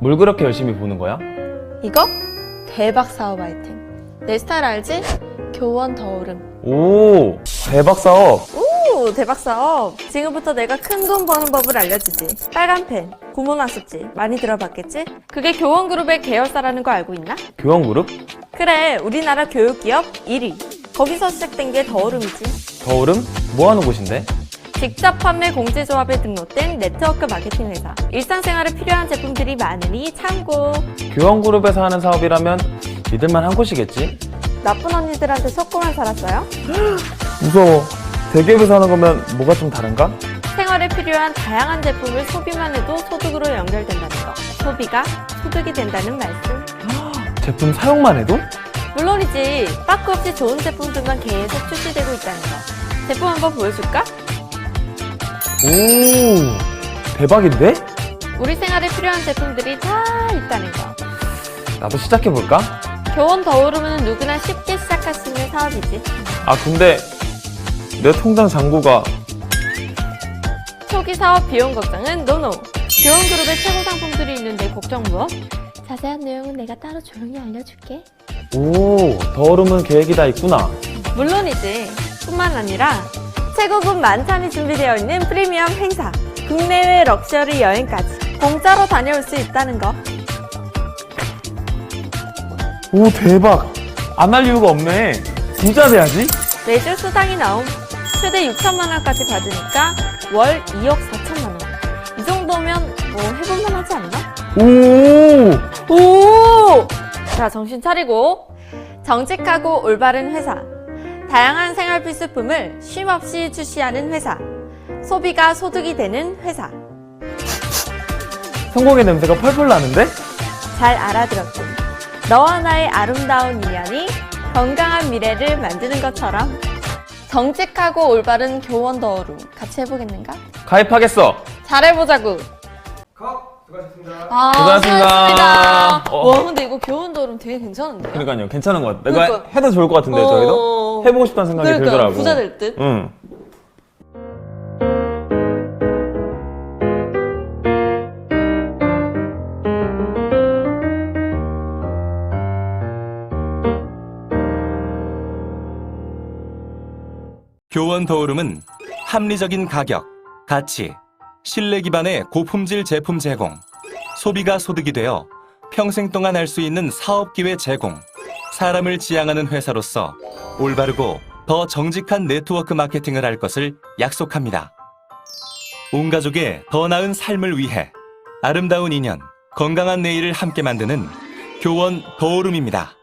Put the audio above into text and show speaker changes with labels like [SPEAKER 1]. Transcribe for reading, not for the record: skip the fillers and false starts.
[SPEAKER 1] 뭘 그렇게 열심히 보는 거야?
[SPEAKER 2] 이거? 대박 사업 아이템. 내 스타일 알지? 교원 더오름.
[SPEAKER 1] 오, 대박 사업.
[SPEAKER 2] 오, 대박 사업. 지금부터 내가 큰 돈 버는 법을 알려주지. 빨간 펜, 구몬 학습지 많이 들어봤겠지? 그게 교원 그룹의 계열사라는 거 알고 있나?
[SPEAKER 1] 교원 그룹?
[SPEAKER 2] 그래, 우리나라 교육기업 1위. 거기서 시작된 게 더오름이지.
[SPEAKER 1] 더오름? 뭐 하는 곳인데?
[SPEAKER 2] 직접 판매 공제조합에 등록된 네트워크 마케팅 회사. 일상생활에 필요한 제품들이 많으니 참고.
[SPEAKER 1] 교원 그룹에서 하는 사업이라면 믿을만 한 곳이겠지?
[SPEAKER 2] 나쁜 언니들한테 속고만 살았어요?
[SPEAKER 1] 무서워. 대기업에서 하는 거면 뭐가 좀 다른가?
[SPEAKER 2] 생활에 필요한 다양한 제품을 소비만 해도 소득으로 연결된다는 거. 소비가 소득이 된다는 말씀.
[SPEAKER 1] 제품 사용만 해도?
[SPEAKER 2] 물론이지. 빠꾸 없이 좋은 제품들만 계속 출시되고 있다는 거. 제품 한번 보여줄까?
[SPEAKER 1] 오, 대박인데?
[SPEAKER 2] 우리 생활에 필요한 제품들이 다 있다는 거.
[SPEAKER 1] 나도 시작해볼까?
[SPEAKER 2] 교원 더오르면 누구나 쉽게 시작할 수 있는 사업이지.
[SPEAKER 1] 아, 근데 내 통장 잔고가
[SPEAKER 2] 초기 사업 비용 걱정은 노노. 교원 그룹의 최고 상품들이 있는데 걱정 무엇? 자세한 내용은 내가 따로 조용히 알려줄게.
[SPEAKER 1] 오, 더오름은 계획이 다 있구나.
[SPEAKER 2] 물론이지. 뿐만 아니라 최고급 만찬이 준비되어 있는 프리미엄 행사, 국내외 럭셔리 여행까지 공짜로 다녀올 수 있다는 거.
[SPEAKER 1] 오, 대박. 안 할 이유가 없네. 부자 돼야지.
[SPEAKER 2] 매주 수당이 나옴. 최대 6천만 원까지 받으니까 월 2억 4천만 원. 이 정도면 뭐 해볼만 하지 않나?
[SPEAKER 1] 오,
[SPEAKER 2] 오! 자, 정신 차리고. 정직하고 올바른 회사. 다양한 생활 필수품을 쉼없이 출시하는 회사. 소비가 소득이 되는 회사.
[SPEAKER 1] 성공의 냄새가 펄펄 나는데?
[SPEAKER 2] 잘 알아들었군. 너와 나의 아름다운 인연이 건강한 미래를 만드는 것처럼. 정직하고 올바른 교원 더오름 같이 해보겠는가?
[SPEAKER 1] 가입하겠어.
[SPEAKER 2] 잘해보자구.
[SPEAKER 3] 수고하셨습니다.
[SPEAKER 1] 수고하셨습니다.
[SPEAKER 2] 수고하셨습니다. 와, 근데 이거 교원 더오름 되게 괜찮은데요?
[SPEAKER 1] 그러니까요, 괜찮은 것 같아. 내가
[SPEAKER 2] 그러니까.
[SPEAKER 1] 해도 좋을 것 같은데, 저희도? 해보고 싶다는 생각이
[SPEAKER 2] 그러니까,
[SPEAKER 1] 들더라고.
[SPEAKER 2] 부자 될 듯.
[SPEAKER 1] 응.
[SPEAKER 4] 교원 더오름은 합리적인 가격, 가치, 신뢰 기반의 고품질 제품 제공, 소비가 소득이 되어 평생 동안 할 수 있는 사업 기회 제공, 사람을 지향하는 회사로서 올바르고 더 정직한 네트워크 마케팅을 할 것을 약속합니다. 온 가족의 더 나은 삶을 위해 아름다운 인연, 건강한 내일을 함께 만드는 교원 더오름입니다.